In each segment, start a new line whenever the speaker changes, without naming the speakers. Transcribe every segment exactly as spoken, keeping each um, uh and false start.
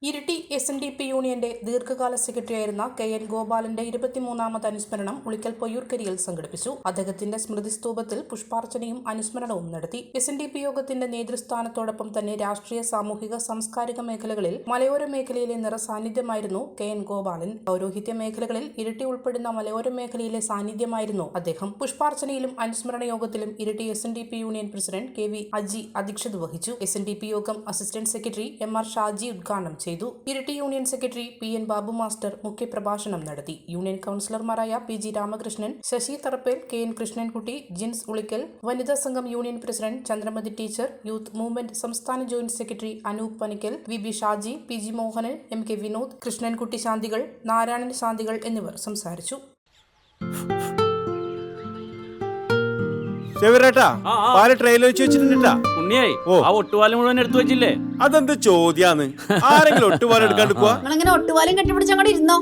Iritty S N D P യൂണിയന്റെ ദീർഘകാല സെക്രട്ടറിയായിരുന്ന കെ എൻ ഗോപാലന്റെ ഇരുപത്തിമൂന്നാമത് അനുസ്മരണം ഉളിക്കൽ പൊയ്യൂർക്കരിയിൽ സംഘടിപ്പിച്ചു. അദ്ദേഹത്തിന്റെ സ്മൃതി സ്തൂപത്തിൽ പുഷ്പാർച്ചനയും അനുസ്മരണവും നടത്തി. എസ് എൻ ഡി പി യോഗത്തിന്റെ നേതൃസ്ഥാനത്തോടൊപ്പം തന്നെ രാഷ്ട്രീയ, സാമൂഹിക, സാംസ്കാരിക മേഖലകളിൽ മലയോര മേഖലയിലെ നിറസാന്നിധ്യമായിരുന്നു കെ എൻ ഗോപാലൻ. പൗരോഹിത്യ മേഖലകളിൽ ഇരിട്ടി ഉൾപ്പെടുന്ന മലയോര മേഖലയിലെ സാന്നിധ്യമായിരുന്നു അദ്ദേഹം. പുഷ്പാർച്ചനയിലും അനുസ്മരണ യോഗത്തിലും Iritty S N D P union president K V Aji അധ്യക്ഷത വഹിച്ചു. എസ് എൻ ഡി പി യോഗം assistant secretary M R Shaji ഉദ്ഘാടനം ചെയ്തു. Iritty union secretary P N Babu master മുഖ്യപ്രഭാഷണം നടത്തി. യൂണിയൻ കൌൺസിലർമാരായ P G Ramakrishnan, Sasi Tharappel, K N Krishnankutty, Jins Ulikkal, വനിതാ സംഘം union president Chandramathi teacher, youth movement സംസ്ഥാന joint secretary Anoop Panickal, V B Shaji, P G Mohanan, M K Vinod, Krishnankutty ശാന്തികൾ, നാരായണൻ ശാന്തികൾ എന്നിവർ സംസാരിച്ചു.
അതെന്ത് ചോദ്യാന്ന്? ആരെങ്കിലും ഒട്ടുപാലം എടുക്കാണ്ട് പോവാ?
ഒട്ടുപാലം കെട്ടിപ്പിടിച്ച് അങ്ങോട്ട് ഇരുന്നോ.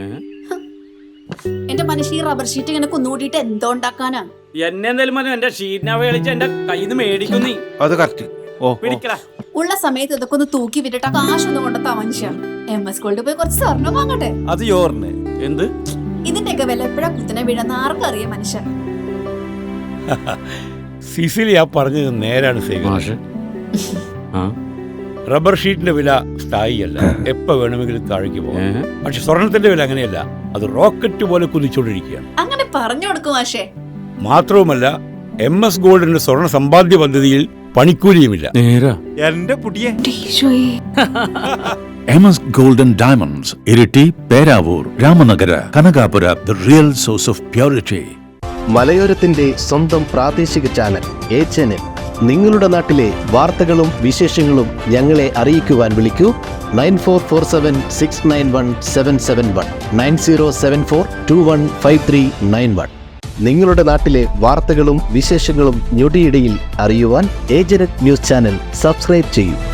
എന്റെ മനുഷ്യ ഈ റബ്ബർ ഷീറ്റ് ഇങ്ങനെ കുന്നുകൂട്ടിട്ട് എന്തോ ഉണ്ടാക്കാനാ?
എന്നെ എന്തായാലും മതി, എന്റെ ഷീറ്റിനെ കളിച്ച് എന്റെ കയ്യിൽ നിന്ന് മേടിക്കുന്നേ.
അത് കറക്റ്റ്.
ഉള്ള സമയത്ത് ഇതൊക്കെ ഒന്ന് തൂക്കി വിട്ടിട്ട് കാശൊന്നും കൊണ്ടെത്താ മനുഷ്യ. എം എസ് ഗോൾഡ് പോയി കുറച്ച് സ്വർണ്ണം വാങ്ങട്ടെ.
അത് യോറിന്
എന്ത്?
ഇതിന്റെയൊക്കെ വില എപ്പോഴാ കുത്തിനെ വീഴുന്ന ആർക്കറിയാം മനുഷ്യൻ.
സിസിലി ആ പറഞ്ഞത് നേരാണ് സേവ. റബ്ബർ ഷീറ്റിന്റെ വില സ്ഥായിയല്ല, എപ്പോ വേണമെങ്കിലും താഴേക്ക് പോകാം. പക്ഷെ സ്വർണത്തിന്റെ വില അങ്ങനെയല്ല, അത് റോക്കറ്റ് പോലെ കുതിച്ചുകൊണ്ടിരിക്കുകയാണ്.
അങ്ങനെ പറഞ്ഞു കൊടുക്കും മാഷേ.
മാത്രവുമല്ല, എം എസ് ഗോൾഡിന്റെ സ്വർണ്ണ സമ്പാദ്യ പദ്ധതിയിൽ പണിക്കൂലിയുമില്ല.
എന്റെ പുതിയ
M S golden diamonds, Iritty, Peravoor, Ramanagara, Kanakapura, the real source of purity.
മലയോരത്തിന്റെ സ്വന്തം പ്രാദേശിക ചാനൽ എച്ച് എൻ എൻ. നിങ്ങളുടെ നാട്ടിലെ വാർത്തകളും വിശേഷങ്ങളും ഞങ്ങളെ അറിയിക്കുവാൻ വിളിക്കൂ nine four four seven six nine one seven seven one nine zero seven four two one five three nine one. നിങ്ങളുടെ നാട്ടിലെ വാർത്തകളും വിശേഷങ്ങളും ഞൊടിയിടയിൽ അറിയുവാൻ ഏജനറ്റ് ന്യൂസ് ചാനൽ സബ്സ്ക്രൈബ് ചെയ്യൂ.